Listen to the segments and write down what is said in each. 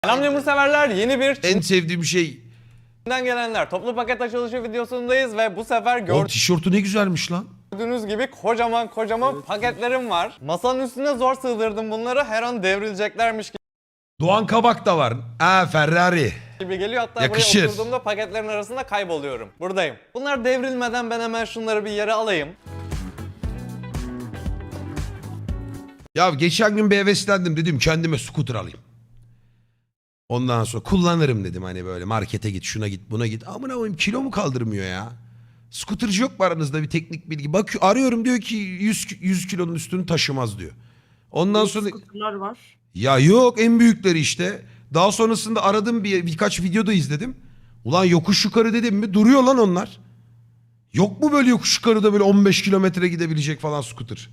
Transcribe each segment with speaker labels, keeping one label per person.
Speaker 1: Selam lemur severler, yeni bir
Speaker 2: En sevdiğim şey.
Speaker 1: Çin'den gelenler toplu paket açılışı videosundayız ve bu sefer
Speaker 2: O tişörtü ne güzelmiş lan.
Speaker 1: gördüğünüz gibi kocaman paketlerim var. Masanın üstüne zor sığdırdım bunları, her an devrileceklermiş
Speaker 2: Doğan Kabak da var. Ferrari.
Speaker 1: gibi geliyor. Hatta
Speaker 2: Yakışır.
Speaker 1: buraya oturduğumda paketlerin arasında kayboluyorum. Buradayım. Bunlar devrilmeden ben hemen şunları bir yere alayım.
Speaker 2: Ya geçen gün bir heveslendim, dedim kendime scooter alayım. Ondan sonra kullanırım dedim, hani böyle markete git, şuna git, buna git. Amına koyayım, kilo mu kaldırmıyor ya? Scootercı yok mu aranızda bir teknik bilgi? Bak arıyorum, diyor ki 100 kilonun üstünü taşımaz diyor. Ondan sonra
Speaker 3: Scooter'lar var.
Speaker 2: ya yok, en büyükleri işte. Daha sonrasında aradım, birkaç videoda izledim. Ulan yokuş yukarı dedim mi duruyor lan onlar. Yok mu böyle yokuş yukarıda böyle 15 kilometre gidebilecek falan scooter?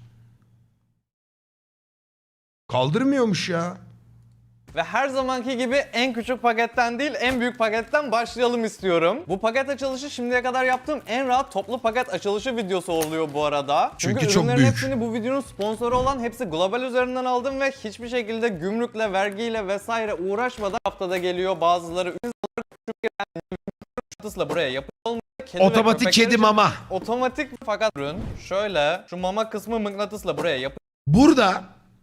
Speaker 2: Kaldırmıyormuş ya.
Speaker 1: Ve her zamanki gibi en küçük paketten değil, en büyük paketten başlayalım istiyorum. Bu paket açılışı şimdiye kadar yaptığım en rahat toplu paket açılışı videosu oluyor bu arada.
Speaker 2: Çünkü çok
Speaker 1: ürünlerin
Speaker 2: büyük.
Speaker 1: hepsini bu videonun sponsoru olan Hepsi Global üzerinden aldım ve hiçbir şekilde gümrükle, vergiyle vesaire uğraşmadan haftada geliyor. Bazıları küçük buraya yapılmış. Kedi ve
Speaker 2: Otomatik
Speaker 1: köpekler
Speaker 2: kedi
Speaker 1: için
Speaker 2: mama.
Speaker 1: Otomatik fakat ürün şöyle, şu mama kısmı mıknatısla buraya yapılmış.
Speaker 2: Burada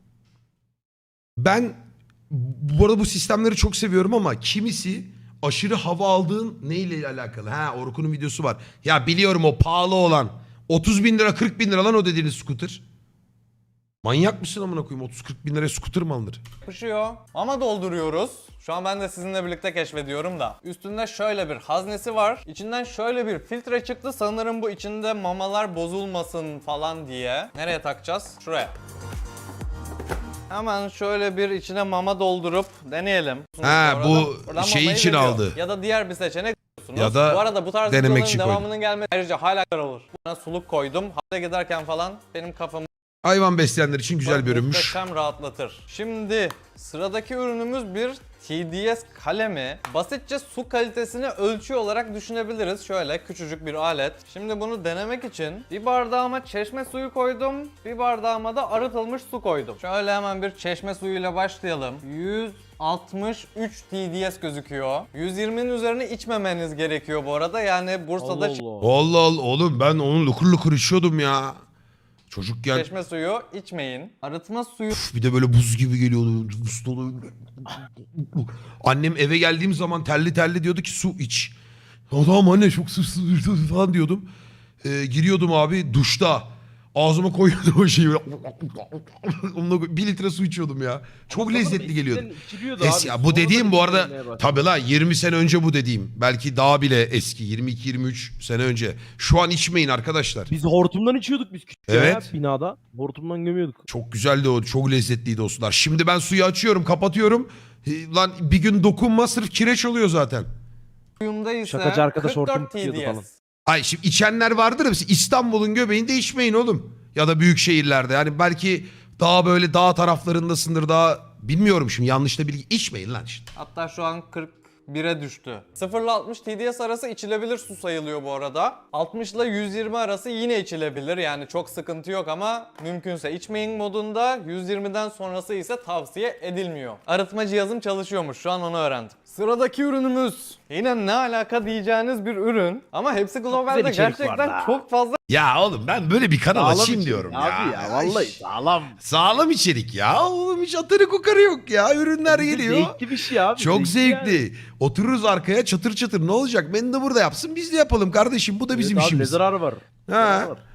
Speaker 2: ben bu arada bu sistemleri çok seviyorum ama kimisi aşırı hava aldığın neyle alakalı? Orkun'un videosu var. Ya biliyorum, o pahalı olan 30 bin lira 40 bin lira lan o dediğiniz scooter. Manyak mısın amına koyayım, 30-40 bin liraya scooter mı alınır?
Speaker 1: Yapışıyor. Ama dolduruyoruz. Şu an ben de sizinle birlikte keşfediyorum da. Üstünde şöyle bir haznesi var. İçinden şöyle bir filtre çıktı. Sanırım bu içinde mamalar bozulmasın falan diye. Nereye takacağız? Şuraya. Hemen şöyle bir içine mama doldurup deneyelim.
Speaker 2: Bu şey
Speaker 1: mamayı
Speaker 2: için
Speaker 1: veriyor.
Speaker 2: aldı.
Speaker 1: Ya da diğer bir seçenek
Speaker 2: Ya da
Speaker 1: bu arada bu tarz
Speaker 2: denemek
Speaker 1: videoların
Speaker 2: için
Speaker 1: devamının gelmesi ayrıca hala olur. Buna suluk koydum. Hale giderken falan benim kafamı
Speaker 2: Hayvan besleyenler için güzel bir ürünmüş.
Speaker 1: muhteşem rahatlatır. Şimdi sıradaki ürünümüz bir TDS kalemi. Basitçe su kalitesini ölçü olarak düşünebiliriz. Şöyle küçücük bir alet. Şimdi bunu denemek için bir bardağıma çeşme suyu koydum. Bir bardağıma da arıtılmış su koydum. Şöyle hemen bir çeşme suyuyla başlayalım. 163 TDS gözüküyor. 120'nin üzerine içmemeniz gerekiyor bu arada. Yani Bursa'da
Speaker 2: Allah Allah oğlum, ben onu lukur lukur içiyordum ya. Çocukken
Speaker 1: çeşme suyu içmeyin. Arıtma suyu
Speaker 2: bir de böyle buz gibi geliyordu. Buz dolu. Annem eve geldiğim zaman terli terli diyordu ki su iç. Adam anne çok su falan diyordum. Giriyordum abi duşta. Ağzıma koyuyordum o şeyi. Onunla 1 litre su içiyordum ya. Çok lezzetli geliyordu. Ya bu dediğim bu arada tabii la 20 sene önce bu dediğim. Belki daha bile eski, 22-23 sene önce. Şu an içmeyin arkadaşlar.
Speaker 4: Biz hortumdan içiyorduk biz küçük
Speaker 2: Evet.
Speaker 4: ya, binada. Hortumdan gömüyorduk.
Speaker 2: Çok güzeldi o. Çok lezzetliydi o sular. Şimdi ben suyu açıyorum, kapatıyorum. Lan bir gün dokunma, sırf kireç oluyor zaten.
Speaker 1: suyunda ise
Speaker 4: Şakacı arkadaş hortum
Speaker 1: 44
Speaker 4: tutuyordu falan.
Speaker 1: TDS.
Speaker 2: Ay şimdi içenler vardır ya, İstanbul'un göbeğinde içmeyin oğlum. Ya da büyük şehirlerde. Yani belki daha böyle dağ taraflarındasındır, daha bilmiyorum şimdi, yanlış da bilgi. İçmeyin lan işte.
Speaker 1: Hatta şu an 41'e düştü. 0 ile 60 TDS arası içilebilir su sayılıyor bu arada. 60 ile 120 arası yine içilebilir. Yani çok sıkıntı yok ama mümkünse içmeyin modunda. 120'den sonrası ise tavsiye edilmiyor. Arıtma cihazım çalışıyormuş. Şu an onu öğrendim. Sıradaki ürünümüz. Yine ne alaka diyeceğiniz bir ürün. Ama Hepsi Global'de
Speaker 4: güzel içerik
Speaker 1: gerçekten
Speaker 4: var da.
Speaker 1: çok fazla
Speaker 2: Ya oğlum ben böyle bir kanal açayım
Speaker 4: içerik
Speaker 2: diyorum ya.
Speaker 4: abi ya. Vallahi sağlam.
Speaker 2: Sağlam içerik ya. Oğlum hiç atarı kokarı yok ya. Ürünler geliyor.
Speaker 4: Zevkli bir şey abi.
Speaker 2: Çok zevkli.
Speaker 4: yani.
Speaker 2: Otururuz arkaya çatır çatır. Ne olacak? Beni de burada yapsın. Biz de yapalım kardeşim. Bu da bizim
Speaker 4: Evet abi,
Speaker 2: işimiz.
Speaker 4: ne zararı var?
Speaker 2: Ha.
Speaker 4: Zararı var.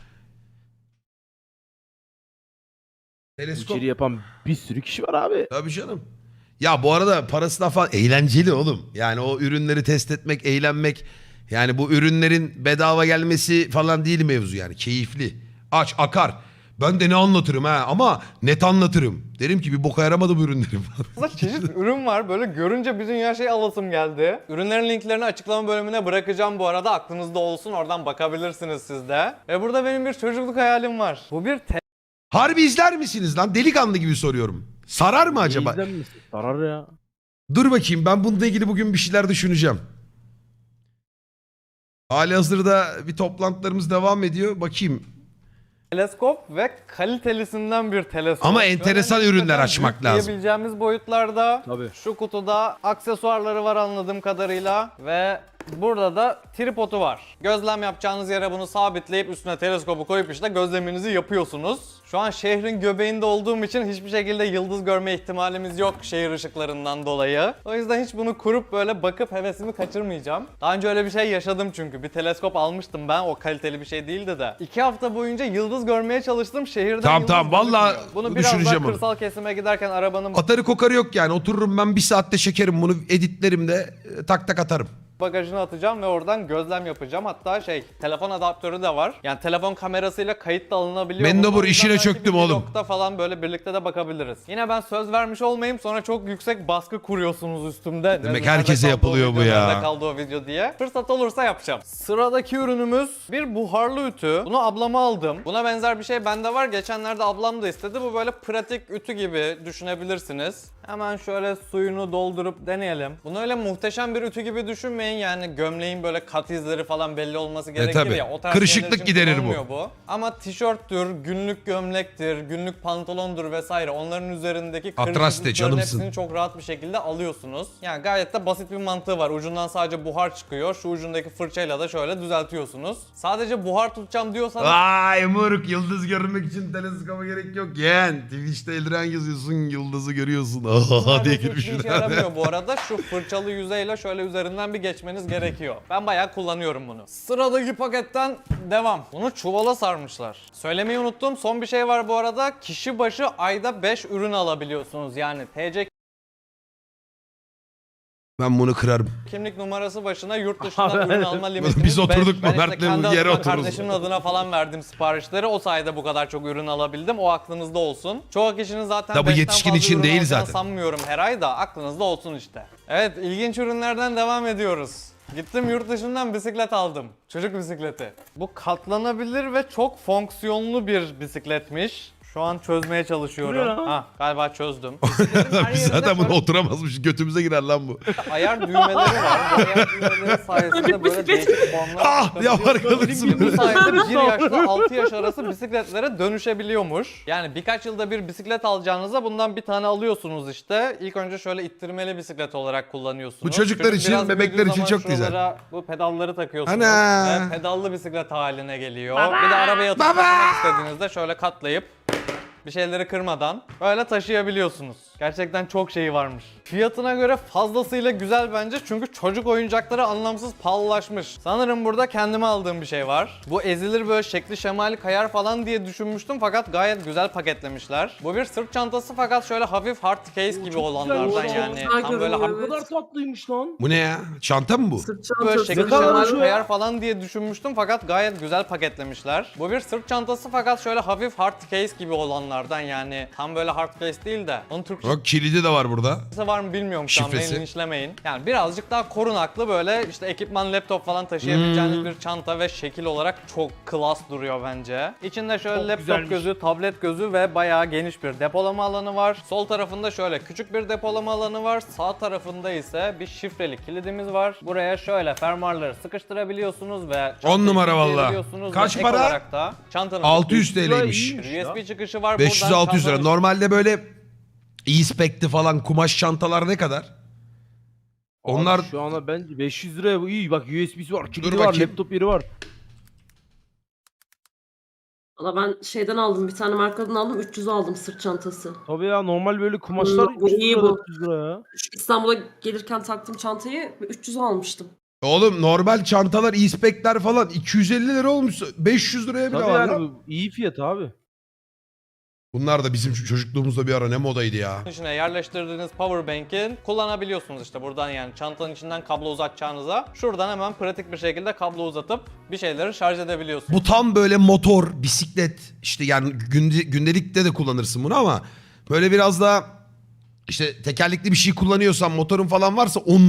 Speaker 2: Teleskop.
Speaker 4: İçeri yapan bir sürü kişi var abi.
Speaker 2: Tabii canım. Ya bu arada parasına falan eğlenceli oğlum. Yani o ürünleri test etmek, eğlenmek. Yani bu ürünlerin bedava gelmesi falan değil mevzu yani. Keyifli. Aç, akar. Ben de ne anlatırım ha, ama net anlatırım. Derim ki bir boka yaramadı bu ürünlerim.
Speaker 1: çeşit ürün var. Böyle görünce bir dünya şey alasım geldi. Ürünlerin linklerini açıklama bölümüne bırakacağım bu arada. Aklınızda olsun. Oradan bakabilirsiniz siz de. Ve burada benim bir çocukluk hayalim var. Bu bir
Speaker 2: Harbi izler misiniz lan? Delikanlı gibi soruyorum. Sarar mı acaba?
Speaker 4: İzlenmesin. Zarar ya.
Speaker 2: Dur bakayım, ben bununla ilgili bugün bir şeyler düşüneceğim. Halihazırda bir toplantılarımız devam ediyor. Bakayım.
Speaker 1: teleskop ve kalitelisinden bir teleskop.
Speaker 2: Ama enteresan
Speaker 1: Şöyle
Speaker 2: ürünler
Speaker 1: nispeten
Speaker 2: açmak
Speaker 1: büyük
Speaker 2: lazım.
Speaker 1: diyebileceğimiz boyutlarda.
Speaker 4: Tabii.
Speaker 1: Şu kutuda aksesuarları var anladığım kadarıyla ve burada da tripodu var. Gözlem yapacağınız yere bunu sabitleyip üstüne teleskobu koyup işte gözleminizi yapıyorsunuz. Şu an şehrin göbeğinde olduğum için hiçbir şekilde yıldız görme ihtimalimiz yok şehir ışıklarından dolayı. O yüzden hiç bunu kurup böyle bakıp hevesimi kaçırmayacağım. Daha önce öyle bir şey yaşadım çünkü. Bir teleskop almıştım ben. O kaliteli bir şey değildi de. 2 hafta boyunca yıldız görmeye çalıştım. Şehirden
Speaker 2: Tamam,
Speaker 1: yıldız
Speaker 2: tamam. Vallahi
Speaker 1: gözükmüyor. Bunu biraz daha
Speaker 2: düşüneceğim onu.
Speaker 1: kırsal kesime giderken arabanın
Speaker 2: Atarı kokarı yok yani. Otururum ben bir saatte çekerim bunu, editlerim de tak tak atarım.
Speaker 1: bagajına atacağım ve oradan gözlem yapacağım. Hatta telefon adaptörü de var. Yani telefon kamerasıyla kayıt da alınabiliyor.
Speaker 2: Mendebur
Speaker 1: O yüzden
Speaker 2: işine
Speaker 1: belki
Speaker 2: çöktüm
Speaker 1: bir
Speaker 2: oğlum.
Speaker 1: vlogda falan böyle birlikte de bakabiliriz. Yine ben söz vermiş olmayayım, sonra çok yüksek baskı kuruyorsunuz üstümde.
Speaker 2: Demek
Speaker 1: Nerede
Speaker 2: herkese
Speaker 1: kaldı o
Speaker 2: yapılıyor bu
Speaker 1: video,
Speaker 2: ya.
Speaker 1: Nerede kaldı o video diye. Fırsat olursa yapacağım. Sıradaki ürünümüz bir buharlı ütü. Bunu ablama aldım. Buna benzer bir şey bende var. Geçenlerde ablam da istedi. Bu böyle pratik ütü gibi düşünebilirsiniz. Hemen şöyle suyunu doldurup deneyelim. Bunu öyle muhteşem bir ütü gibi düşünmeyin. Yani gömleğin böyle kat izleri falan belli olması gerekir
Speaker 2: tabii.
Speaker 1: ya. O tarz
Speaker 2: Kırışıklık
Speaker 1: şeyler için
Speaker 2: giderir bu.
Speaker 1: kullanılmıyor bu. Ama tişörttür, günlük gömlektir, günlük pantolondur vesaire. Onların üzerindeki
Speaker 2: Atraste,
Speaker 1: kırışıklıkların
Speaker 2: canımsın.
Speaker 1: hepsini çok rahat bir şekilde alıyorsunuz. Yani gayet de basit bir mantığı var. Ucundan sadece buhar çıkıyor. Şu ucundaki fırçayla da şöyle düzeltiyorsunuz. Sadece buhar tutacağım diyorsanız
Speaker 2: Vay moruk, yıldız görmek için teleskopa gerek yok yeğen. Twitch'te Eldiren yazıyorsun, yıldızı görüyorsun. Aha diye
Speaker 1: hiçbir
Speaker 2: girmişler.
Speaker 1: işe yaramıyor bu arada. Şu fırçalı yüzeyle şöyle üzerinden bir geçmeniz gerekiyor. Ben bayağı kullanıyorum bunu. Sıradaki paketten devam. Bunu çuvala sarmışlar. Söylemeyi unuttum. Son bir şey var bu arada. Kişi başı ayda 5 ürün alabiliyorsunuz. Yani TC
Speaker 2: Ben bunu kırarım.
Speaker 1: kimlik numarası başına yurt dışından ürün alma limitimiz
Speaker 2: Biz oturduk
Speaker 1: 5.
Speaker 2: mu?
Speaker 1: Ben
Speaker 2: Mert'le
Speaker 1: kendi
Speaker 2: bu yere
Speaker 1: adıma,
Speaker 2: otururuz.
Speaker 1: kardeşimin adına falan verdim siparişleri. O sayede bu kadar çok ürün alabildim. O aklınızda olsun. Çoğu kişinin zaten
Speaker 2: Da bu
Speaker 1: 5'ten
Speaker 2: yetişkin
Speaker 1: fazla
Speaker 2: için
Speaker 1: ürün
Speaker 2: değil
Speaker 1: alacağını
Speaker 2: zaten.
Speaker 1: sanmıyorum her ay da aklınızda olsun işte. Evet, ilginç ürünlerden devam ediyoruz. Gittim yurt dışından bisiklet aldım. Çocuk bisikleti. Bu katlanabilir ve çok fonksiyonlu bir bisikletmiş. Şu an çözmeye
Speaker 4: Bu
Speaker 1: çalışıyorum.
Speaker 4: ne lan?
Speaker 1: Ha, galiba çözdüm. Bisikletin her
Speaker 2: Biz
Speaker 1: yerinde
Speaker 2: zaten buna
Speaker 1: şöyle
Speaker 2: oturamazmış. Götümüze girer lan bu.
Speaker 1: ayar düğmeleri var. Bu ayar düğmeleri sayesinde böyle değişik formlar
Speaker 2: Ah yapar kalırsın.
Speaker 1: Bu sayede 1 yaşla 6 yaş arası bisikletlere dönüşebiliyormuş. Yani birkaç yılda bir bisiklet alacağınıza bundan bir tane alıyorsunuz işte. İlk önce şöyle ittirmeli bisiklet olarak kullanıyorsunuz.
Speaker 2: Bu çocuklar
Speaker 1: Çocuk
Speaker 2: için,
Speaker 1: biraz
Speaker 2: bebekler
Speaker 1: büyüdüğü
Speaker 2: için
Speaker 1: zaman
Speaker 2: çok güzel.
Speaker 1: şuralara bu pedalları takıyorsunuz.
Speaker 2: Ana!
Speaker 1: Ve pedallı bisiklet haline geliyor. Bir de arabaya atıp taşımak istediğinizde şöyle katlayıp bir şeyleri kırmadan böyle taşıyabiliyorsunuz. Gerçekten çok şeyi varmış. Fiyatına göre fazlasıyla güzel bence çünkü çocuk oyuncakları anlamsız pahalılaşmış. Sanırım burada kendime aldığım bir şey var. Bu ezilir böyle şekli şemali kayar falan diye düşünmüştüm fakat gayet güzel paketlemişler. Bu bir sırt çantası fakat şöyle hafif hard case gibi
Speaker 4: çok
Speaker 1: olanlardan
Speaker 4: güzel,
Speaker 1: yani.
Speaker 3: güzel
Speaker 1: Tam böyle
Speaker 3: görünüyor.
Speaker 4: Ne kadar tatlıymış lan.
Speaker 2: Bu ne ya? Çanta mı bu?
Speaker 3: Sırt
Speaker 1: böyle
Speaker 3: çantası.
Speaker 1: şekil
Speaker 4: Ne kadar
Speaker 1: şemali
Speaker 4: şu ya?
Speaker 1: kayar falan diye düşünmüştüm fakat gayet güzel paketlemişler. Bu bir sırt çantası fakat şöyle hafif hard case gibi olanlardan yani tam böyle hard case değil de onun Türkçesi
Speaker 2: Bak kilidi de var burada.
Speaker 1: var mı bilmiyorum şu an,
Speaker 2: Şifresi.
Speaker 1: beni linçlemeyin. Yani birazcık daha korunaklı böyle işte ekipman, laptop falan taşıyabileceğiniz bir çanta ve şekil olarak çok klas duruyor bence. İçinde şöyle
Speaker 4: Çok
Speaker 1: laptop
Speaker 4: güzelmiş.
Speaker 1: gözü, tablet gözü ve bayağı geniş bir depolama alanı var. Sol tarafında şöyle küçük bir depolama alanı var. Sağ tarafında ise bir şifreli kilidimiz var. Buraya şöyle fermuarları sıkıştırabiliyorsunuz ve
Speaker 2: 10 numara valla.
Speaker 1: kilitleyebiliyorsunuz
Speaker 2: Kaç
Speaker 1: ve
Speaker 2: para?
Speaker 1: ek olarak da çantanın
Speaker 2: 600
Speaker 4: Lira
Speaker 2: TL'ymiş.
Speaker 4: iyiymiş ya.
Speaker 1: USB çıkışı var.
Speaker 2: 500-600 lira.
Speaker 1: Buradan
Speaker 2: Normalde böyle e-spec'ti falan kumaş çantalar ne kadar? Onlar
Speaker 4: Abi şu anda bence 500 liraya bu iyi. Bak USB'si var, kilidi
Speaker 2: Dur
Speaker 4: var,
Speaker 2: bakayım.
Speaker 4: laptop yeri var.
Speaker 3: Valla ben şeyden aldım. Bir tane markadan aldım. 300 aldım sırt çantası.
Speaker 4: Tabii ya normal böyle kumaşlar
Speaker 3: Bu
Speaker 4: 300
Speaker 3: iyi
Speaker 4: lira,
Speaker 3: bu.
Speaker 4: 400 lira ya.
Speaker 3: Şu İstanbul'a gelirken taktığım çantayı 300 almıştım.
Speaker 2: oğlum normal çantalar e-spec'ler falan 250 lira olmuş. 500 liraya bile
Speaker 4: Tabii
Speaker 2: var
Speaker 4: yani
Speaker 2: lan.
Speaker 4: bu iyi fiyat abi.
Speaker 2: Bunlar da bizim çocukluğumuzda bir ara ne modaydı ya.
Speaker 1: içine yerleştirdiğiniz powerbank'i kullanabiliyorsunuz işte buradan yani çantanın içinden kablo uzatacağınıza. Şuradan hemen pratik bir şekilde kablo uzatıp bir şeyleri şarj edebiliyorsunuz.
Speaker 2: Bu tam böyle motor, bisiklet işte yani gündelikte de kullanırsın bunu ama böyle biraz daha işte tekerlekli bir şey kullanıyorsan motorun falan varsa 10 numara.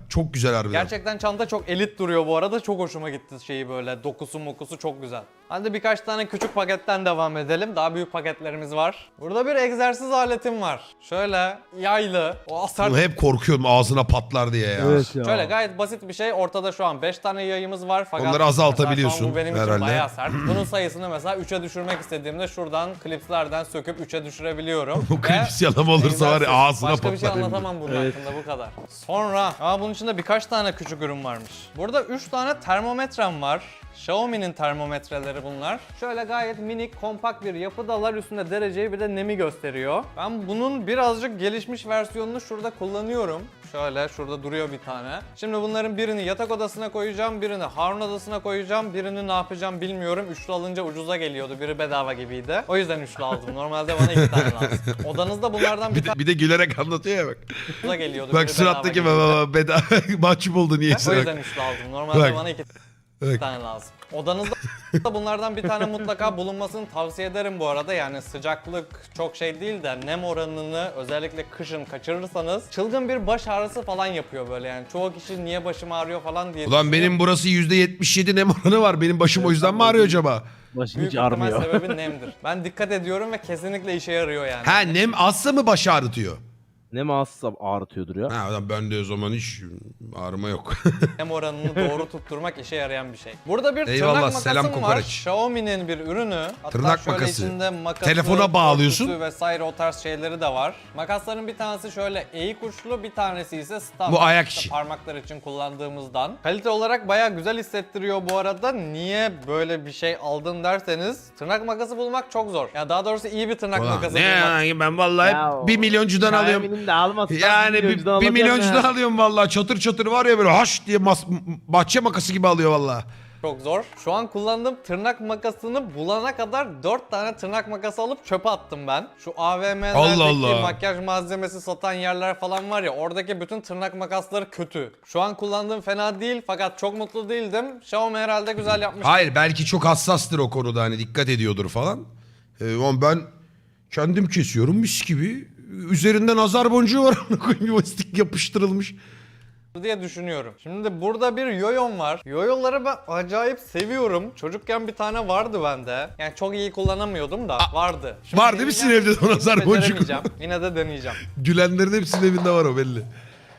Speaker 2: Çok güzel harbiden.
Speaker 1: Gerçekten çanta çok elit duruyor bu arada. Çok hoşuma gitti şeyi böyle. Dokusu mokusu çok güzel. Hadi birkaç tane küçük paketten devam edelim. Daha büyük paketlerimiz var. Burada bir egzersiz aletim var. Şöyle yaylı. O asar.
Speaker 2: Bunu hep korkuyorum ağzına patlar diye ya.
Speaker 4: Evet ya.
Speaker 1: Şöyle gayet basit bir şey. Ortada şu an 5 tane yayımız var. Fakat
Speaker 2: Onları azaltabiliyorsun
Speaker 1: mesela şu an bu benim için
Speaker 2: herhalde.
Speaker 1: bayağı sert. Bunun sayısını mesela 3'e düşürmek istediğimde şuradan klipslerden söküp 3'e düşürebiliyorum.
Speaker 2: Bu klips yalama olursa var ya
Speaker 1: egzersiz.
Speaker 2: ağzına
Speaker 1: Başka bir şey
Speaker 2: patlar.
Speaker 1: anlatamam bunun
Speaker 4: Evet.
Speaker 1: hakkında, bu kadar. Sonra bunun içinde birkaç tane küçük ürün varmış. Burada 3 tane termometrem var. Xiaomi'nin termometreleri bunlar. Şöyle gayet minik, kompakt bir yapıdalar. Üstünde dereceyi bir de nemi gösteriyor. Ben bunun birazcık gelişmiş versiyonunu şurada kullanıyorum. Şöyle şurada duruyor bir tane. Şimdi bunların birini yatak odasına koyacağım, birini Harun odasına koyacağım. Birini ne yapacağım bilmiyorum. Üçlü alınca ucuza geliyordu. Biri bedava gibiydi. O yüzden üçlü aldım. Normalde bana 2 tane lazım. Odanızda bunlardan bir tane
Speaker 2: Bir de gülerek anlatıyor ya bak.
Speaker 1: ucuza geliyordu.
Speaker 2: Bak
Speaker 1: biri
Speaker 2: surattaki
Speaker 1: bedava gibiydi.
Speaker 2: bedava mahcup oldu
Speaker 1: O
Speaker 2: niyeyse bak.
Speaker 1: yüzden üçlü aldım. Normalde
Speaker 2: Bak.
Speaker 1: bana 2
Speaker 2: Bak.
Speaker 1: tane lazım. Odanızda bunlardan bir tane mutlaka bulunmasını tavsiye ederim bu arada. Yani sıcaklık çok şey değil de nem oranını özellikle kışın kaçırırsanız çılgın bir baş ağrısı falan yapıyor böyle yani. Çoğu kişi niye başım ağrıyor falan diye
Speaker 2: Ulan
Speaker 1: düşünüyor.
Speaker 2: benim burası %77 nem oranı var. Benim başım o yüzden mi ağrıyor acaba?
Speaker 4: Başın
Speaker 1: Büyük
Speaker 4: hiç
Speaker 1: ihtimal
Speaker 4: ağrımıyor.
Speaker 1: sebebi nemdir. Ben dikkat ediyorum ve kesinlikle işe yarıyor yani.
Speaker 2: Ha nem azsa mı baş ağrıtıyor?
Speaker 4: Ne mahsussa ağrıtıyordur ya.
Speaker 2: Ha ulan ben de o zaman hiç ağrıma yok.
Speaker 1: Nem oranını doğru tutturmak işe yarayan bir şey. Burada bir
Speaker 2: Eyvallah,
Speaker 1: tırnak makasım
Speaker 2: selam
Speaker 1: var.
Speaker 2: kokoreç.
Speaker 1: Xiaomi'nin bir ürünü. Hatta
Speaker 2: Tırnak
Speaker 1: şöyle
Speaker 2: makası.
Speaker 1: içinde makası,
Speaker 2: Telefona bağlıyorsun.
Speaker 1: örtüsü vesaire o tarz şeyleri de var. Makasların bir tanesi şöyle eğik uçlu, bir tanesi ise standart.
Speaker 2: Bu ayak
Speaker 1: işte
Speaker 2: işi.
Speaker 1: parmaklar için kullandığımızdan. Kalite olarak bayağı güzel hissettiriyor bu arada. Niye böyle bir şey aldın derseniz tırnak makası bulmak çok zor. Ya daha doğrusu iyi bir tırnak
Speaker 2: Ulan
Speaker 1: makası
Speaker 2: ne
Speaker 1: bulmak.
Speaker 2: ya ben vallahi 1 milyoncudan alıyorum.
Speaker 4: Xiaomi'nin de almazsan
Speaker 2: Yani
Speaker 4: milyoncudan
Speaker 2: bir
Speaker 4: alacaksın
Speaker 2: milyoncudan
Speaker 4: ha.
Speaker 2: alıyorum vallahi çatır çatır var ya böyle haş diye bahçe makası gibi alıyor vallahi.
Speaker 1: Çok zor. Şu an kullandığım tırnak makasını bulana kadar 4 tane tırnak makası alıp çöpe attım ben. Şu AVM'lerdeki
Speaker 2: Allah Allah.
Speaker 1: makyaj malzemesi satan yerler falan var ya, oradaki bütün tırnak makasları kötü. Şu an kullandığım fena değil fakat çok mutlu değildim. Xiaomi herhalde güzel yapmış.
Speaker 2: Hayır belki çok hassastır o konuda hani dikkat ediyordur falan. Ama ben kendim kesiyorum mis gibi. Üzerinde nazar boncuğu var. Yuvastik yapıştırılmış.
Speaker 1: diye düşünüyorum. Şimdi burada bir yoyom var. Yoyoları ben acayip seviyorum. Çocukken bir tane vardı bende. Yani çok iyi kullanamıyordum da vardı. Şimdi
Speaker 2: var değil mi sizin
Speaker 1: deneyeceğim.
Speaker 2: evde de o nazar boncuk?
Speaker 1: Beceremeyeceğim. Yine de deneyeceğim.
Speaker 2: Gülenlerin hepsinin evinde var o belli.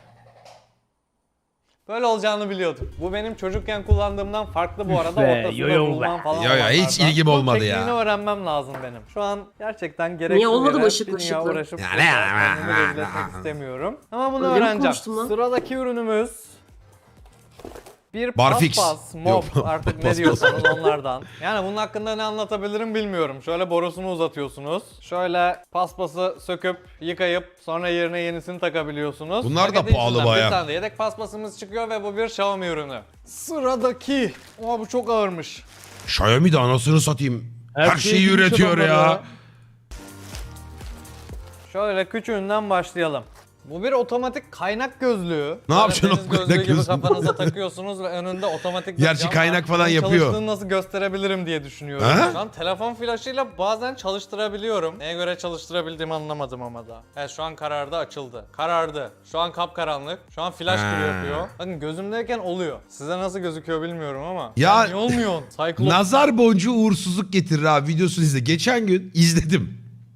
Speaker 1: Böyle olacağını biliyordum. Bu benim çocukken kullandığımdan farklı bu arada.
Speaker 4: be,
Speaker 1: Ortasında
Speaker 4: yoyo
Speaker 1: bulmam
Speaker 4: be.
Speaker 1: falan
Speaker 2: Yo yo, hiç
Speaker 1: olanlardan.
Speaker 2: ilgim
Speaker 1: Bunun
Speaker 2: olmadı ya.
Speaker 1: tekniğini öğrenmem lazım benim. Şu an gerçekten gerekli
Speaker 3: Niye olmadı
Speaker 1: yere
Speaker 3: mı ışıklı
Speaker 1: bir dünya
Speaker 3: ışıklı?
Speaker 1: uğraşıp
Speaker 2: Ya
Speaker 1: burada
Speaker 2: ne-
Speaker 1: kendimi rezil etmek istemiyorum. Ama bunu
Speaker 3: Öyle mi
Speaker 1: öğreneceğim.
Speaker 3: konuştun lan?
Speaker 1: Sıradaki ürünümüz bir
Speaker 2: Barfix.
Speaker 1: paspas, mop
Speaker 2: Yok,
Speaker 1: artık ne
Speaker 2: paspas.
Speaker 1: diyorsanız onlardan. Yani bunun hakkında ne anlatabilirim bilmiyorum. Şöyle borusunu uzatıyorsunuz. Şöyle paspası söküp yıkayıp sonra yerine yenisini takabiliyorsunuz.
Speaker 2: Bunlar da
Speaker 1: Paketin
Speaker 2: pahalı
Speaker 1: içinden
Speaker 2: bayağı.
Speaker 1: Bir tane de yedek paspasımız çıkıyor ve bu bir Xiaomi ürünü. Sıradaki. Bu çok ağırmış.
Speaker 2: Xiaomi de anasını satayım. Her şeyi
Speaker 4: bilmiş
Speaker 2: üretiyor
Speaker 4: adamlar
Speaker 2: ya.
Speaker 1: Şöyle küçüğünden başlayalım. Bu bir otomatik kaynak gözlüğü.
Speaker 2: Ne
Speaker 1: Böyle
Speaker 2: yapacaksın
Speaker 1: deniz
Speaker 2: o kaynak
Speaker 1: gözlüğü gibi
Speaker 2: gözlüğünü?
Speaker 1: kafanıza takıyorsunuz ve önünde otomatik bir
Speaker 2: Gerçi
Speaker 1: cam
Speaker 2: kaynak
Speaker 1: var.
Speaker 2: falan
Speaker 1: Bunun
Speaker 2: yapıyor.
Speaker 1: Çalıştığını nasıl gösterebilirim diye düşünüyorum.
Speaker 2: Ha?
Speaker 1: Şu an telefon flaşıyla bazen çalıştırabiliyorum. Neye göre çalıştırabildiğimi anlamadım ama da. Evet şu an karardı, açıldı. Karardı. Şu an kapkaranlık. Şu an flash gibi
Speaker 2: Ha.
Speaker 1: yapıyor. Bakın gözümdeyken oluyor. Size nasıl gözüküyor bilmiyorum ama.
Speaker 2: Ya-
Speaker 1: Niye olmuyor? Cyclops.
Speaker 2: Nazar boncuğu uğursuzluk getirir abi videosunu izle. Geçen gün izledim.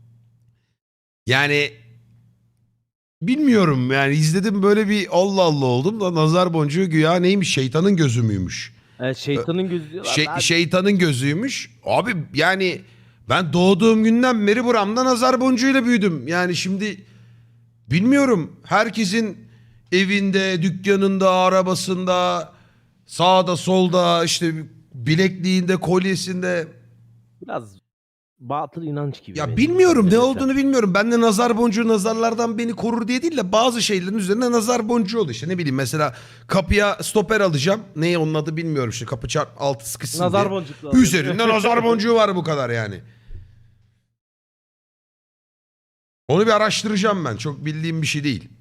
Speaker 2: Yani bilmiyorum yani izledim böyle bir Allah Allah oldum da nazar boncuğu güya neymiş şeytanın gözü müymüş?
Speaker 4: Evet, şeytanın gözü diyorlar.
Speaker 2: Şeytanın gözüymüş. Abi yani ben doğduğum günden beri buramda nazar boncuğuyla büyüdüm. Yani şimdi bilmiyorum herkesin evinde, dükkanında, arabasında, sağda solda işte bilekliğinde, kolyesinde
Speaker 4: Biraz batıl inanç gibi.
Speaker 2: ya
Speaker 4: benim
Speaker 2: bilmiyorum ne
Speaker 4: mesela.
Speaker 2: olduğunu bilmiyorum. Ben de nazar boncuğu nazarlardan beni korur diye değil de bazı şeylerin üzerine nazar boncuğu oluyor. İşte ne bileyim mesela kapıya stoper alacağım. Ne onun adı bilmiyorum işte kapı altı sıkışsın
Speaker 4: Nazar
Speaker 2: diye.
Speaker 4: boncuklu alıyor.
Speaker 2: Üzerinde nazar boncuğu var bu kadar yani. Onu bir araştıracağım ben. Çok bildiğim bir şey değil.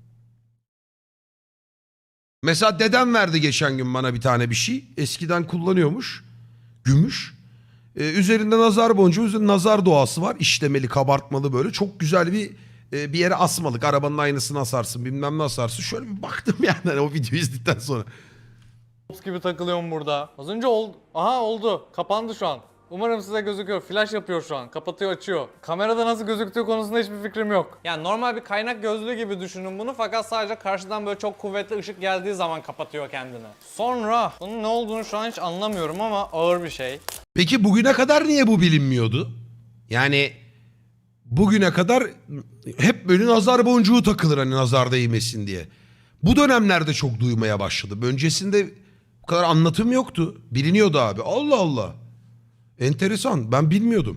Speaker 2: Mesela dedem verdi geçen gün bana bir tane bir şey. Eskiden kullanıyormuş. Gümüş. Üzerinde nazar boncuğu, üzerinde nazar doğası var. İşlemeli, kabartmalı böyle. Çok güzel bir bir yere asmalık. Arabanın aynasını asarsın, bilmem ne asarsın. Şöyle bir baktım yani hani o videoyu izledikten sonra.
Speaker 1: gibi takılıyorum burada. Az önce oldu. Aha oldu. Kapandı şu an. Umarım size gözüküyor. Flash yapıyor şu an. Kapatıyor, açıyor. Kamerada nasıl gözüktüğü konusunda hiçbir fikrim yok. Yani normal bir kaynak gözlüğü gibi düşünün bunu, fakat sadece karşıdan böyle çok kuvvetli ışık geldiği zaman kapatıyor kendini. Sonra bunun ne olduğunu şu an hiç anlamıyorum ama ağır bir şey.
Speaker 2: Peki bugüne kadar niye bu bilinmiyordu? Yani bugüne kadar hep böyle nazar boncuğu takılır hani nazar değmesin diye. Bu dönemlerde çok duymaya başladım. Öncesinde bu kadar anlatım yoktu. Biliniyordu abi. Allah Allah. Enteresan. Ben bilmiyordum.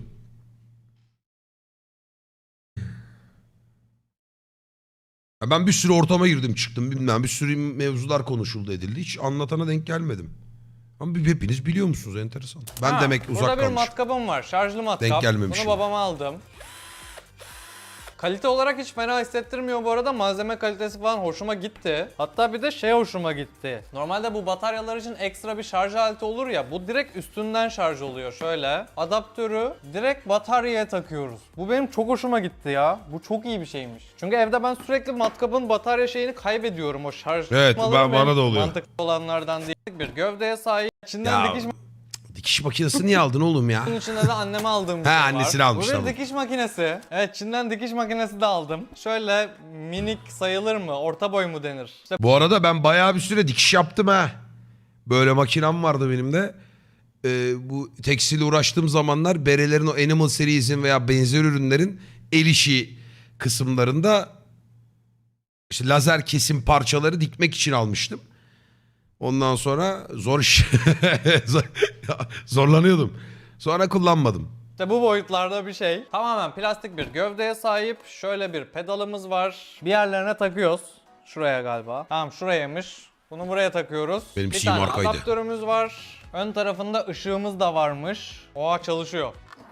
Speaker 2: Ya ben bir sürü ortama girdim çıktım bilmem. Bir sürü mevzular konuşuldu edildi. Hiç anlatana denk gelmedim. Ama hepiniz biliyor musunuz? Enteresan. Ben
Speaker 1: Ha,
Speaker 2: demek uzak
Speaker 1: burada bir
Speaker 2: kalmışım.
Speaker 1: matkabım var. Şarjlı matkap.
Speaker 2: Denk gelmemişim.
Speaker 1: Bunu babama aldım. Kalite olarak hiç fena hissettirmiyor bu arada. Malzeme kalitesi falan hoşuma gitti. Hatta bir de şey hoşuma gitti. Normalde bu bataryalar için ekstra bir şarj aleti olur ya. Bu direkt üstünden şarj oluyor. Şöyle adaptörü direkt bataryaya takıyoruz. Bu benim çok hoşuma gitti ya. Bu çok iyi bir şeymiş. Çünkü evde ben sürekli matkabın batarya şeyini kaybediyorum. O şarj
Speaker 2: Evet,
Speaker 1: tutmaları
Speaker 2: bana
Speaker 1: benim
Speaker 2: da oluyor.
Speaker 1: mantıklı olanlardan değil. Bir gövdeye sahip. İçinden
Speaker 2: Ya,
Speaker 1: dikiş
Speaker 2: dikiş makinesi niye aldın oğlum ya?
Speaker 1: bunun içinde de anneme aldığım bir
Speaker 2: He,
Speaker 1: şey var.
Speaker 2: annesini almış,
Speaker 1: Bu bir
Speaker 2: tamam.
Speaker 1: dikiş makinesi. Evet, Çin'den dikiş makinesi de aldım. Şöyle minik sayılır mı? Orta boy mu denir? İşte
Speaker 2: Bu arada ben bayağı bir süre dikiş yaptım ha. Böyle makinem vardı benim de. Bu tekstil uğraştığım zamanlar berelerin o Animal Series'in veya benzer ürünlerin el işi kısımlarında işte lazer kesim parçaları dikmek için almıştım. Ondan sonra zor iş. Zorlanıyordum. Sonra kullanmadım.
Speaker 1: bu boyutlarda bir şey. Tamamen plastik bir gövdeye sahip. Şöyle bir pedalımız var. Bir yerlerine takıyoruz. Şuraya galiba. Tamam, şurayaymış. Bunu buraya takıyoruz.
Speaker 2: Benim
Speaker 1: bir
Speaker 2: şeyim
Speaker 1: tane
Speaker 2: arkaydı.
Speaker 1: adaptörümüz var. Ön tarafında ışığımız da varmış. Oha, çalışıyor.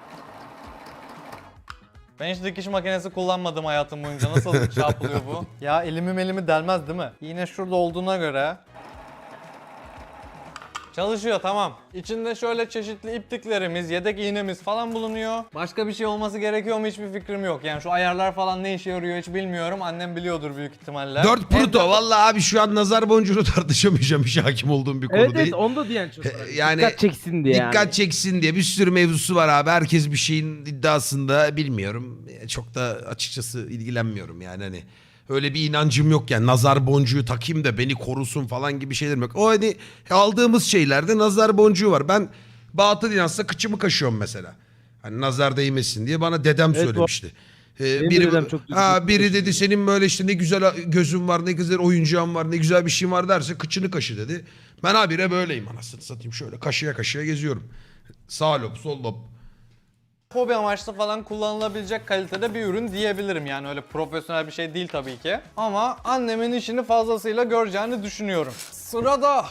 Speaker 1: Ben hiç dikiş makinesi kullanmadım hayatım boyunca. Nasıl şey yapılıyor bu? Ya elimi delmez değil mi? Yine şurada olduğuna göre. Çalışıyor, tamam. İçinde şöyle çeşitli ipliklerimiz, yedek iğnemiz falan bulunuyor. Başka bir şey olması gerekiyor mu hiçbir fikrim yok. Yani şu ayarlar falan ne işe yarıyor hiç bilmiyorum. Annem biliyordur büyük ihtimalle.
Speaker 2: 4 Pluto. Vallahi abi şu an nazar boncuğunu tartışamayacağım. Hiç hakim olduğum bir konu
Speaker 4: Evet
Speaker 2: değil.
Speaker 4: evet onu da diyen çok var.
Speaker 2: Yani
Speaker 4: Dikkat çeksin diye
Speaker 2: Dikkat
Speaker 4: yani.
Speaker 2: çeksin diye bir sürü mevzusu var abi. Herkes bir şeyin iddiasında, bilmiyorum. Çok da açıkçası ilgilenmiyorum yani hani. Öyle bir inancım yok yani nazar boncuğu takayım da beni korusun falan gibi şeylerim yok. O hani aldığımız şeylerde nazar boncuğu var. Ben batıl inançla kıçımı kaşıyorum mesela. Hani nazar değmesin diye bana dedem
Speaker 4: Evet,
Speaker 2: söylemişti.
Speaker 4: Benim de
Speaker 2: Biri,
Speaker 4: dedem çok
Speaker 2: biri dedi senin böyle işte ne güzel gözün var, ne güzel oyuncağın var, ne güzel bir şeyin var derse kıçını kaşı dedi. Ben habire böyleyim anasını satayım, şöyle kaşıya kaşıya geziyorum. Sağ lob, sol lob.
Speaker 1: Hobi amaçlı falan kullanılabilecek kalitede bir ürün diyebilirim. Yani öyle profesyonel bir şey değil tabii ki. Ama annemin işini fazlasıyla göreceğini düşünüyorum. Sırada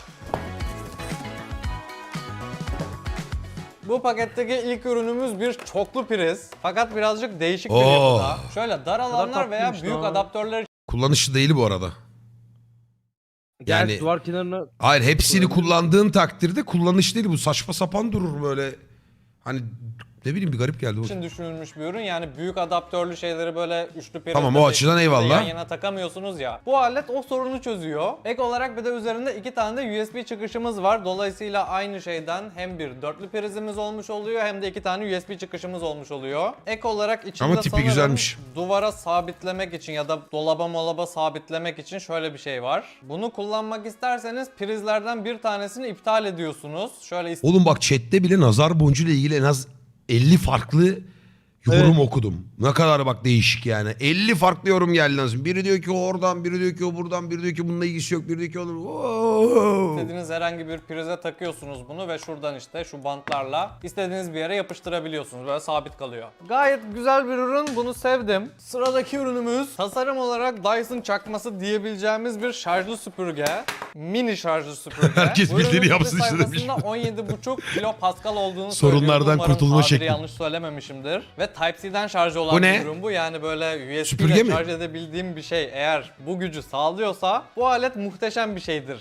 Speaker 1: bu paketteki ilk ürünümüz bir çoklu priz. Fakat birazcık değişik bir
Speaker 2: Oo.
Speaker 1: yapıda. Şöyle dar alanlar veya
Speaker 4: tatlıymış
Speaker 1: büyük
Speaker 4: lan.
Speaker 1: adaptörler
Speaker 2: Kullanışlı değil bu arada.
Speaker 4: Yani
Speaker 2: Yani-
Speaker 4: duvar kenarına
Speaker 2: Hayır, hepsini kullandığın takdirde kullanış değil bu, saçma sapan durur böyle. Hani ne bileyim, bir garip geldi bu.
Speaker 1: için düşünülmüş bir ürün. Yani büyük adaptörlü şeyleri böyle üçlü prizle
Speaker 2: Tamam, o açıdan eyvallah.
Speaker 1: yan yana takamıyorsunuz ya. Bu alet o sorunu çözüyor. Ek olarak bir de üzerinde 2 tane de USB çıkışımız var. Dolayısıyla aynı şeyden hem bir dörtlü prizimiz olmuş oluyor hem de 2 tane USB çıkışımız olmuş oluyor. Ek olarak içinde
Speaker 2: Ama tipi
Speaker 1: sanırım
Speaker 2: güzelmiş.
Speaker 1: duvara sabitlemek için ya da dolaba sabitlemek için şöyle bir şey var. Bunu kullanmak isterseniz prizlerden bir tanesini iptal ediyorsunuz. Şöyle
Speaker 2: Oğlum bak, chatte bile nazar boncuğu ile ilgili en az 50 farklı yorum okudum. Ne kadar bak değişik yani. 50 farklı yorum geldi lazım. Biri diyor ki o oradan, biri diyor ki o buradan, biri diyor ki bununla ilgisi yok, biri diyor ki olur.
Speaker 1: İstediğiniz herhangi bir prize takıyorsunuz bunu ve şuradan işte şu bantlarla istediğiniz bir yere yapıştırabiliyorsunuz. Böyle sabit kalıyor. Gayet güzel bir ürün. Bunu sevdim. Sıradaki ürünümüz tasarım olarak Dyson çakması diyebileceğimiz bir şarjlı süpürge. Mini şarjlı süpürge.
Speaker 2: Herkes
Speaker 1: Bu ürünün
Speaker 2: bildiğini
Speaker 1: satış
Speaker 2: yapsın işte demiş.
Speaker 1: sayfasında 17,5 kilopascal olduğunu
Speaker 2: Sorunlardan
Speaker 1: söylüyor. Umarım
Speaker 2: kurtulma
Speaker 1: tabiri
Speaker 2: şekli.
Speaker 1: yanlış söylememişimdir. Ve Type-C'den şarj olan
Speaker 2: Bu ne?
Speaker 1: bir ürün bu. Yani böyle USB
Speaker 2: Süpürge
Speaker 1: ile
Speaker 2: mi?
Speaker 1: şarj edebildiğim bir şey eğer bu gücü sağlıyorsa bu alet muhteşem bir şeydir.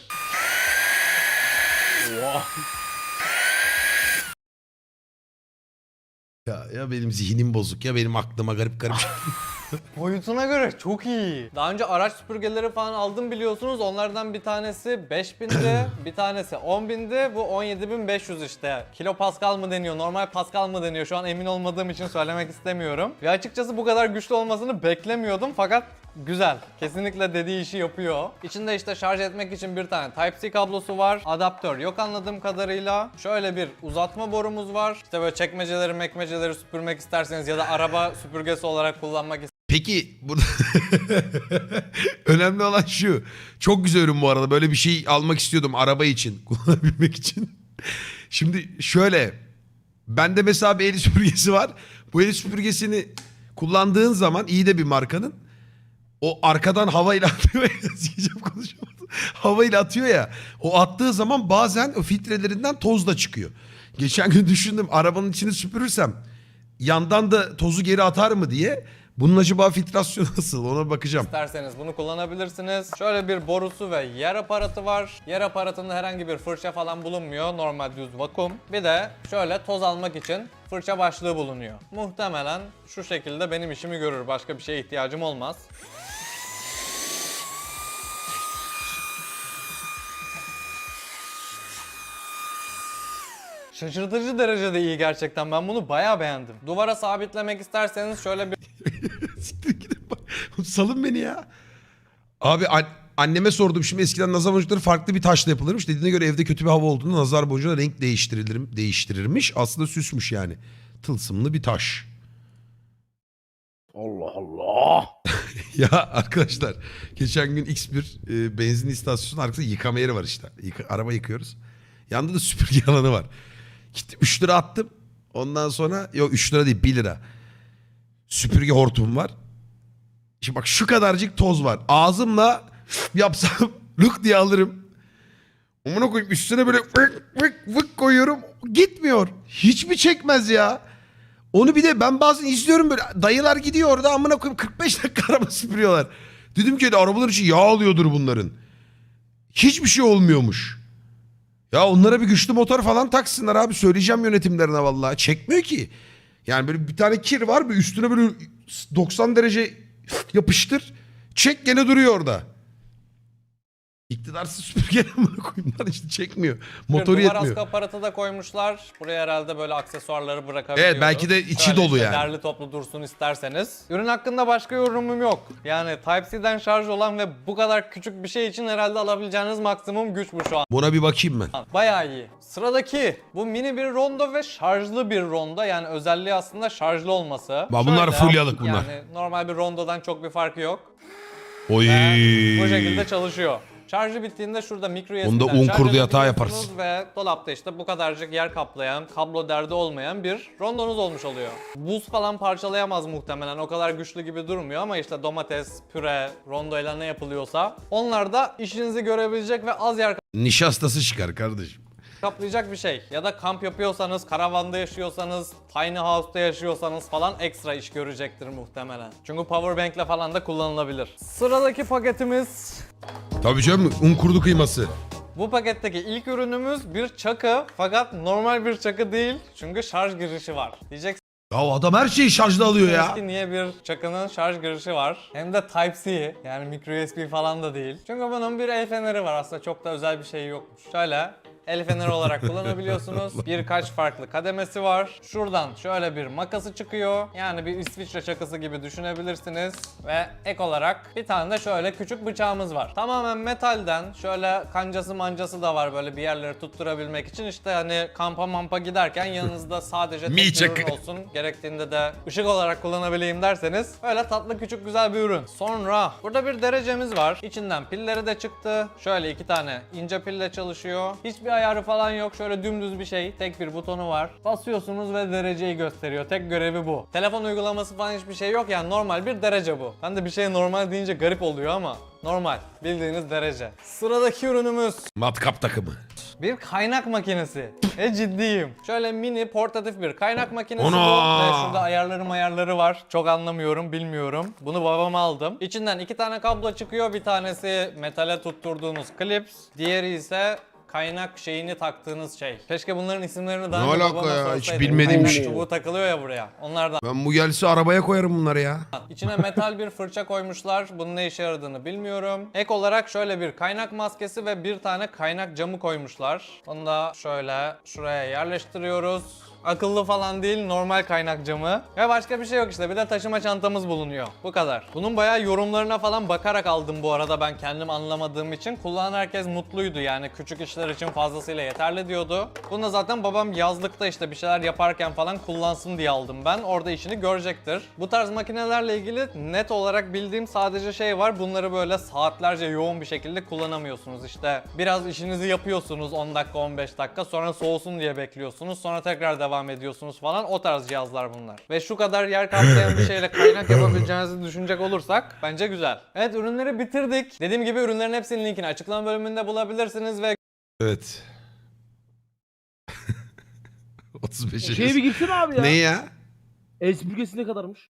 Speaker 2: Ya benim zihnim bozuk ya, benim aklıma garip garip.
Speaker 1: Boyutuna göre çok iyi. Daha önce araç süpürgeleri falan aldım biliyorsunuz. Onlardan bir tanesi 5000'di, bir tanesi 10.000'di. Bu 17.500 işte. Kilo Pascal mı deniyor, normal Pascal mı deniyor? Şu an emin olmadığım için söylemek istemiyorum. Ve açıkçası bu kadar güçlü olmasını beklemiyordum fakat güzel. Kesinlikle dediği işi yapıyor. İçinde işte şarj etmek için bir tane Type-C kablosu var. Adaptör yok anladığım kadarıyla. Şöyle bir uzatma borumuz var. İşte böyle çekmeceleri süpürmek isterseniz ya da araba süpürgesi olarak kullanmak
Speaker 2: Peki burada önemli olan şu. Çok güzel ürün bu arada. Böyle bir şey almak istiyordum araba için. Kullanabilmek için. Şimdi şöyle. Bende mesela bir el süpürgesi var. Bu el süpürgesini kullandığın zaman iyi de bir markanın. O arkadan havayla atıyor ya. Sikeceğim, konuşamadım. Havayla atıyor ya. O attığı zaman bazen o filtrelerinden toz da çıkıyor. Geçen gün düşündüm arabanın içini süpürürsem yandan da tozu geri atar mı diye. Bunun acaba filtrasyonu nasıl, ona bakacağım.
Speaker 1: isterseniz bunu kullanabilirsiniz. Şöyle bir borusu ve yer aparatı var. Yer aparatında herhangi bir fırça falan bulunmuyor. Normal düz vakum. Bir de şöyle toz almak için fırça başlığı bulunuyor. Muhtemelen şu şekilde benim işimi görür. Başka bir şeye ihtiyacım olmaz. Şaşırtıcı derecede iyi gerçekten. Ben bunu bayağı beğendim. Duvara sabitlemek isterseniz şöyle bir
Speaker 2: Siktir gidin bak. Salın beni ya. Abi anneme sordum, şimdi eskiden nazar boncukları farklı bir taşla yapılırmış. Dediğine göre evde kötü bir hava olduğunda nazar boncuğuna renk değiştirirmiş. Aslında süsmüş yani. Tılsımlı bir taş.
Speaker 4: Allah Allah.
Speaker 2: Ya arkadaşlar geçen gün X1 benzin istasyonu arkasında yıkama yeri var işte. Araba yıkıyoruz. Yanında da süpürge alanı var. Gittim 3 lira attım. Ondan sonra yok 3 lira değil 1 lira. Süpürge hortum var. Şimdi bak şu kadarcık toz var. Ağzımla yapsam lık diye alırım. Amına koyayım üstüne böyle vık vık vık koyuyorum. Gitmiyor. Hiç mi çekmez ya? Onu bir de ben bazen izliyorum böyle dayılar gidiyor orada amına koyayım 45 dakika araba süpürüyorlar. Dedim ki arabalar için yağ alıyordur bunların. Hiçbir şey olmuyormuş. Ya onlara bir güçlü motor falan taksınlar abi, söyleyeceğim yönetimlerine vallahi. Çekmiyor ki. Yani böyle bir tane kir var, bir üstüne böyle 90 derece yapıştır. Çek gene duruyor orada. İktidarsız süpürge amına koyayım lan, işte çekmiyor. Motoru
Speaker 1: duvar
Speaker 2: yetmiyor.
Speaker 1: askı aparatı da koymuşlar. Buraya herhalde böyle aksesuarları bırakabiliyoruz.
Speaker 2: Evet, belki de içi
Speaker 1: Şöyle
Speaker 2: dolu
Speaker 1: işte
Speaker 2: yani.
Speaker 1: derli toplu dursun isterseniz. Ürün hakkında başka yorumum yok. Yani Type-C'den şarj olan ve bu kadar küçük bir şey için herhalde alabileceğiniz maksimum güç bu şu an.
Speaker 2: Buna bir bakayım ben.
Speaker 1: Bayağı iyi. Sıradaki bu mini bir rondo ve şarjlı bir rondo. Yani özelliği aslında şarjlı olması.
Speaker 2: Bunlar
Speaker 1: Şöyle,
Speaker 2: fulyalık bunlar.
Speaker 1: Yani normal bir rondodan çok bir farkı yok.
Speaker 2: Oy.
Speaker 1: Bu şekilde çalışıyor. Şarjı bittiğinde şurada micro USB'den
Speaker 2: Bunda un
Speaker 1: şarj
Speaker 2: kurdu yatağı
Speaker 1: edebiliyorsunuz
Speaker 2: yaparsın.
Speaker 1: ve dolapta işte bu kadarcık yer kaplayan, kablo derdi olmayan bir rondonuz olmuş oluyor. Buz falan parçalayamaz muhtemelen, o kadar güçlü gibi durmuyor ama işte domates, püre, rondoyla ne yapılıyorsa onlar da işinizi görebilecek ve az yer
Speaker 2: Nişastası çıkar kardeşim.
Speaker 1: kaplayacak bir şey. Ya da kamp yapıyorsanız, karavanda yaşıyorsanız, tiny house'da yaşıyorsanız falan ekstra iş görecektir muhtemelen. Çünkü powerbank'le falan da kullanılabilir. Sıradaki paketimiz...
Speaker 2: Tabii canım, un kurdu kıyması.
Speaker 1: Bu paketteki ilk ürünümüz bir çakı, fakat normal bir çakı değil çünkü şarj girişi var. Diyeceksiniz
Speaker 2: Ya adam her şeyi şarjda alıyor ya.
Speaker 1: ki niye bir çakının şarj girişi var? Hem de Type-C, yani micro USB falan da değil. Çünkü bunun bir el feneri var, aslında çok da özel bir şey yokmuş. Şöyle el feneri olarak kullanabiliyorsunuz. Birkaç farklı kademesi var. Şuradan şöyle bir makası çıkıyor. Yani bir İsviçre çakısı gibi düşünebilirsiniz. Ve ek olarak bir tane de şöyle küçük bıçağımız var. Tamamen metalden, şöyle kancası mancası da var böyle bir yerleri tutturabilmek için. İşte hani kampa mampa giderken yanınızda sadece tek
Speaker 2: Mi
Speaker 1: bir
Speaker 2: çakı.
Speaker 1: ürün olsun. Gerektiğinde de ışık olarak kullanabileyim derseniz öyle tatlı küçük güzel bir ürün. Sonra burada bir derecemiz var. İçinden pilleri de çıktı. Şöyle 2 tane ince pille çalışıyor. Hiçbir ayarı falan yok. Şöyle dümdüz bir şey. Tek bir butonu var. Basıyorsunuz ve dereceyi gösteriyor. Tek görevi bu. Telefon uygulaması falan hiçbir şey yok. Yani normal bir derece bu. Ben de bir şey normal deyince garip oluyor ama normal. Bildiğiniz derece. Sıradaki ürünümüz
Speaker 2: Matkap takımı.
Speaker 1: bir kaynak makinesi. Ciddiyim. Şöyle mini portatif bir kaynak makinesi
Speaker 2: Ana!
Speaker 1: bu. Ve şurada ayarları var. Çok anlamıyorum, bilmiyorum. Bunu babama aldım. İçinden 2 tane kablo çıkıyor. Bir tanesi metale tutturduğunuz klips. Diğeri ise kaynak şeyini taktığınız şey. Keşke bunların isimlerini daha
Speaker 2: Ne
Speaker 1: önce
Speaker 2: alaka
Speaker 1: babama
Speaker 2: ya? Hiç
Speaker 1: sorsaydım.
Speaker 2: bilmediğim
Speaker 1: Kaynak
Speaker 2: şey.
Speaker 1: çubuğu takılıyor ya buraya. Onlardan.
Speaker 2: Ben bu gelse arabaya koyarım bunları ya.
Speaker 1: İçine metal bir fırça koymuşlar. Bunun ne işe yaradığını bilmiyorum. Ek olarak şöyle bir kaynak maskesi ve bir tane kaynak camı koymuşlar. Onu da şöyle şuraya yerleştiriyoruz. Akıllı falan değil, normal kaynak camı. Ve başka bir şey yok işte. Bir de taşıma çantamız bulunuyor. Bu kadar. Bunun bayağı yorumlarına falan bakarak aldım bu arada, ben kendim anlamadığım için. Kullanan herkes mutluydu yani. Küçük işler için fazlasıyla yeterli diyordu. Bunu da zaten babam yazlıkta işte bir şeyler yaparken falan kullansın diye aldım ben. Orada işini görecektir. Bu tarz makinelerle ilgili net olarak bildiğim sadece şey var. Bunları böyle saatlerce yoğun bir şekilde kullanamıyorsunuz. İşte biraz işinizi yapıyorsunuz 10 dakika 15 dakika, sonra soğusun diye bekliyorsunuz. Sonra tekrar devam ediyorsunuz falan. O tarz cihazlar bunlar. Ve şu kadar yer kaplayan bir şeyle kaynak yapabileceğinizi düşünecek olursak bence güzel. Evet, ürünleri bitirdik. Dediğim gibi ürünlerin hepsinin linkini açıklama bölümünde bulabilirsiniz ve
Speaker 2: Evet. 35
Speaker 4: Şeye bir gitsene abi ya.
Speaker 2: Ne ya?
Speaker 4: El süpürgesi ne kadarmış?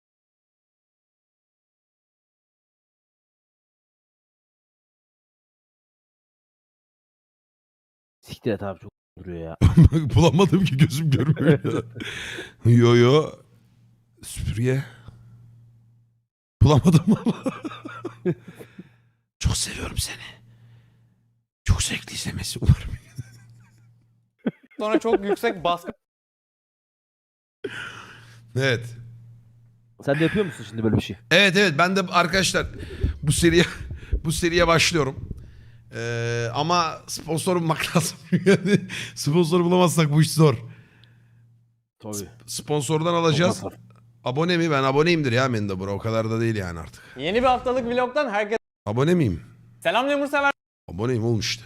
Speaker 4: Siktir et abi, çok duruyor ya.
Speaker 2: Bulamadım ki, gözüm görmüyor ya. Yo yo. Süpürge. Bulamadım ama. Çok seviyorum seni. Çok zevkli izlemesi umarım.
Speaker 1: sonra çok yüksek baskı
Speaker 2: Evet.
Speaker 4: Sen de yapıyor musun şimdi böyle bir şey?
Speaker 2: Evet ben de arkadaşlar bu seriye başlıyorum. Ama sponsor bulmak lazım. Yani sponsor bulamazsak bu iş zor.
Speaker 4: Tabii.
Speaker 2: Sponsordan alacağız. Abone mi? Ben aboneyimdir ya Mendebura. O kadar da değil yani artık.
Speaker 1: yeni bir haftalık vlogdan herkese
Speaker 2: Abone miyim?
Speaker 1: selam Lemur sever.
Speaker 2: Aboneyim olmuş işte.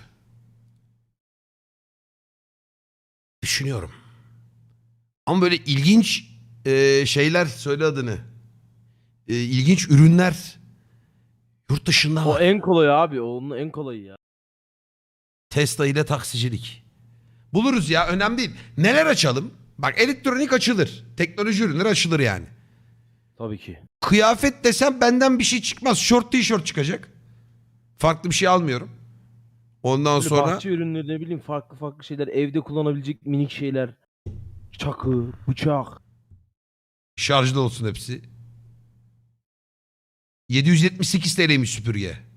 Speaker 2: Düşünüyorum. Ama böyle ilginç şeyler, söyle adını. İlginç ürünler yurt dışında
Speaker 4: O
Speaker 2: var.
Speaker 4: en kolayı abi. Onun en kolayı ya.
Speaker 2: Tesla ile taksicilik. Buluruz ya, önemli değil. Neler açalım? Bak, elektronik açılır. Teknoloji ürünleri açılır yani.
Speaker 4: Tabii ki.
Speaker 2: Kıyafet desem benden bir şey çıkmaz. Şort tişört çıkacak. Farklı bir şey almıyorum. Ondan
Speaker 4: Böyle
Speaker 2: sonra
Speaker 4: bahçe ürünleri, ne bileyim, farklı farklı şeyler. Evde kullanabilecek minik şeyler. Çakı, bıçak.
Speaker 2: şarjlı olsun hepsi. 778 TL'ymiş süpürge.